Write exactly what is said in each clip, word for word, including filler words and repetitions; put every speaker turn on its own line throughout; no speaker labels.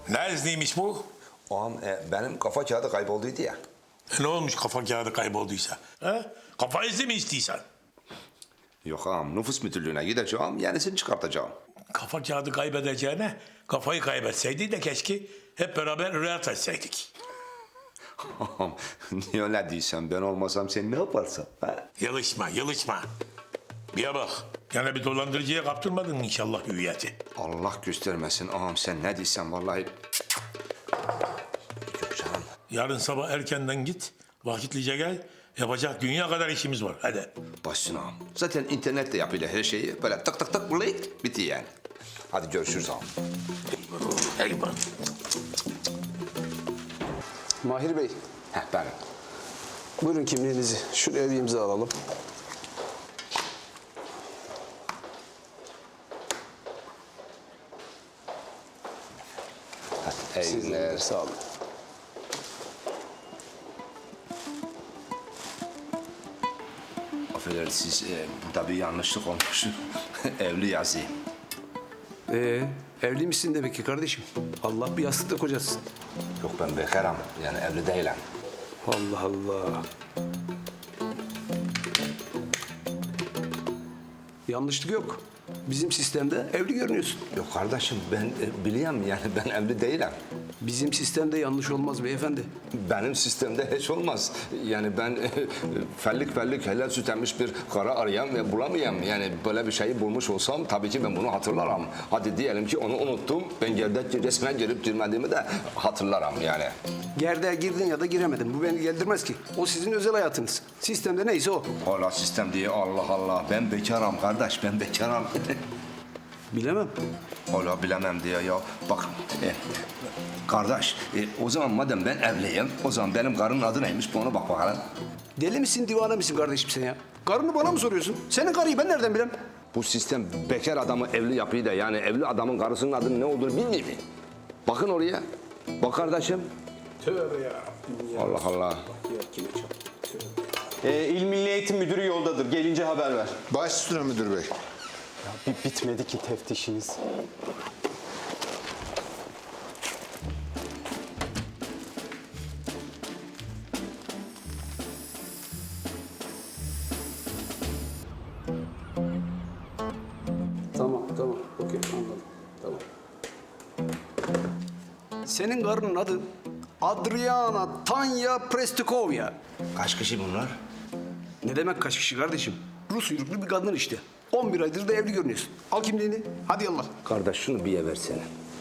Ne izniymiş bu?
Ağam e, benim kafa kağıdı kaybolduydu ya.
E ne olmuş kafa kağıdı kaybolduysa? He? Kafa izni mi istiyorsan?
Yok ağam, nüfus müdürlüğüne gideceğim, yenisini çıkartacağım.
Kafa kağıdı kaybedeceğine kafayı kaybetseydi de keşke hep beraber rüyat etseydik.
Ağam, niye öyle diyorsun? Ben olmasam sen ne yaparsın? Ha?
Yılışma, yılışma. Bir bak, gene bir dolandırıcıya kaptırmadın inşallah hüviyeti.
Allah göstermesin ağam, sen ne diyorsun vallahi. Yok canım.
Yarın sabah erkenden git, vakitlice gel. Yapacak dünya kadar işimiz var, hadi.
Başsın ağam. Zaten internette yapıyla her şeyi böyle tık tık tık bulayık, bitti yani. Hadi görüşürüz ağam.
Eyvallah.
Mahir Bey,
Heh benim.
buyurun kimliğinizi. Şuraya bir imza alalım.
Hadi, iyi
Sizin
günler.
de sağ olun.
Affedersiniz, e, burada bir yanlışlık olmuş. Evli yazayım.
Ee, evli misin demek ki kardeşim? Allah bir yastıkta kocasın.
Yok ben bekarım, yani evli değilim.
Allah Allah. Yanlışlık yok. Bizim sistemde evli görünüyorsun.
Yok kardeşim ben e, biliyorum yani ben evli değilim.
Bizim sistemde yanlış olmaz beyefendi.
Benim sistemde hiç olmaz. Yani ben e, fellik fellik helal süt emmiş bir kara arayan ve bulamayayım. Yani böyle bir şeyi bulmuş olsam tabii ki ben bunu hatırlarım. Hadi diyelim ki onu unuttum. Ben gerdek resmine girip girmediğimi de hatırlarım yani.
Gerdeğe girdin ya da giremedin. Bu beni geldirmez ki. O sizin özel hayatınız. Sistemde neyse o.
Hala sistem diye Allah Allah. Ben bekarım kardeş ben bekarım.
Bilemem.
Hala bilemem diye ya. Bak e, kardeş e, o zaman madem ben evliyim o zaman benim karının adı neymiş bu ona bak bakalım.
Deli misin, divane misin kardeşim sen ya? Karını bana mı soruyorsun? Senin karıyı ben nereden bileyim?
Bu sistem bekar adamı evli yapıyı da yani evli adamın karısının adının ne olduğunu bilmiyor mu? Bakın oraya. Bak kardeşim.
Tövbe ya.
Allah Allah.
Ee, İl Milli Eğitim Müdürü yoldadır. Gelince haber ver.
Baş üstüne müdür bey.
Bir bitmedi ki teftişiniz.
Tamam, tamam. Okey, anladım. Tamam. Senin karının adı Adriana Tanya Prestikovya.
Kaç kişi bunlar?
Ne demek kaç kişi kardeşim? Rus uyruklu bir kadın işte. on bir aydır da evli görünüyorsun. Al kimliğini. Hadi yallah.
Kardeş şunu bir ye versene.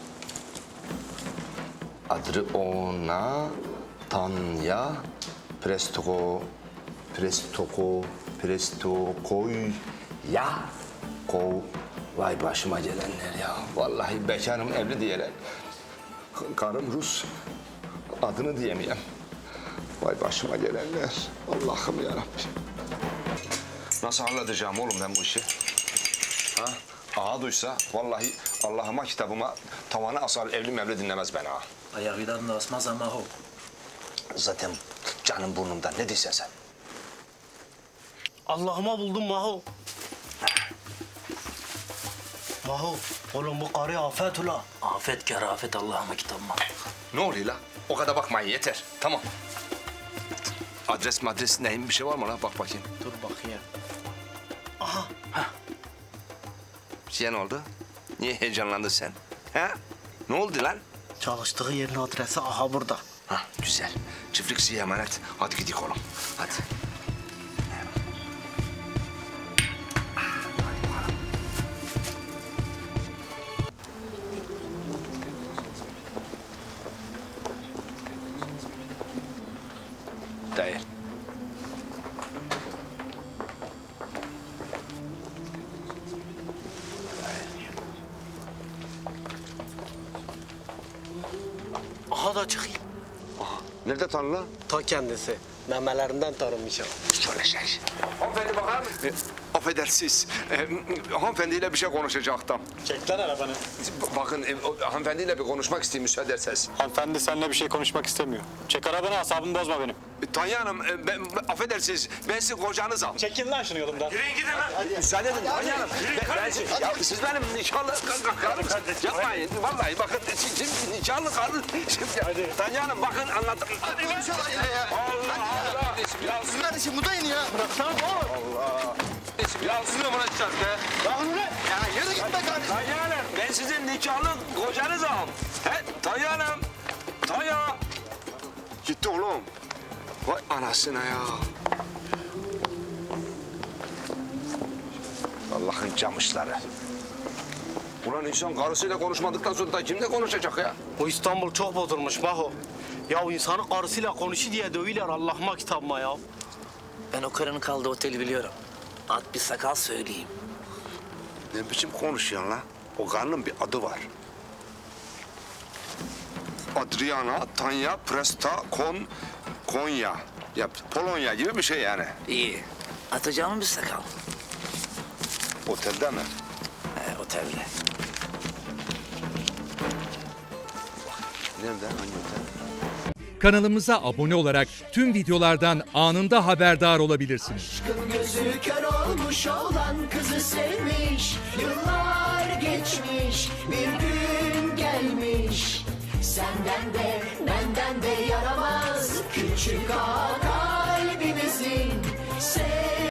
Adriana Tanya Prestoko Prestoko Prestokoy ya Kov. Vay başıma gelenler ya. Vallahi bekarım evli diyeler. K- Karım Rus. Adını diyemeyem. Vay başıma gelenler. Allah'ım yarabbim. Nasıl halledeceğim oğlum ben bu işi? Ha? Ağa duysa vallahi Allah'ıma kitabıma tavana asar evli mevli dinlemez beni ha.
Ayağıdan da asmaz ama o.
Zaten canım burnumda ne diyorsun sen?
Allah'ıma buldum Maho. Maho, oğlum bu karı afet ula. Afet kerafet Allah'ıma kitabıma.
Ne oluyor la? O kadar bakmayın yeter. Tamam. Adres madres neyim bir şey var mı la? Bak bakayım.
Dur bakayım.
Şey ne oldu? Niye heyecanlandın sen? Ha? Ne oldu lan?
Çalıştığı yerin adresi aha burada.
Ha güzel. Çiftlik size emanet. Hadi gidelim oğlum. Hadi. Değil.
Aha da çıkayım.
Nerede tanrı lan?
Ta kendisi. Memelerinden tanınmışım.
Şöyle şey. Hanımefendi bakar mısın? E, affedersiniz. E, hanımefendiyle bir şey konuşacaktım.
Çek lan arabanı.
B- bakın e, o, hanımefendiyle bir konuşmak isteyeyim müsaade ederseniz.
Hanımefendi seninle bir şey konuşmak istemiyor. Çek arabanı, asabımı bozma benim.
Tanya Hanım, e, ben, ben- affedersiniz, ben sizin kocanızım.
Çekin lan şunu yolumdan.
Müsaade edin Tanya Hanım. Ben, ben, ya, siz benim nişanlı ka- karım. Yapmayın, vallahi bakın, siz nişanlı karım. Tanya Hanım, bakın anlatın. Allah Allah. Ya,
Kardeşim bu da yeni ya.
ya siz ne bırakacağız be?
Ya yürü git be kardeşim.
Tanya Hanım, ben sizin nikahlı kocanızım. He, Tanya Hanım. Tanya. Gitti oğlum. Vay anasına ya. Allah'ın camışları. Ulan insan karısıyla konuşmadıktan sonra da kimle konuşacak ya?
Bu İstanbul çok bozulmuş Maho. Ya insanın karısıyla konuşu diye dövüyorlar Allah'ıma kitabıma ya.
Ben o karının kaldığı oteli biliyorum. At bir sakal söyleyeyim.
Ne biçim konuşuyorsun lan? O karının bir adı var. Adriana, Tanya, Presta, Kon, Konya. Ya Polonya gibi bir şey yani.
İyi. Atacağım bir sakal.
Otelde mi?
He, otelde.
Nerede? Hangi otel?
Kanalımıza abone olarak tüm videolardan anında haberdar olabilirsiniz.
Gözü kör olmuş olan kızı sevmiş. Yıllar geçmiş, bir gün gelmiş. Senden de benden de yaramaz küçük ağa kalbimizin.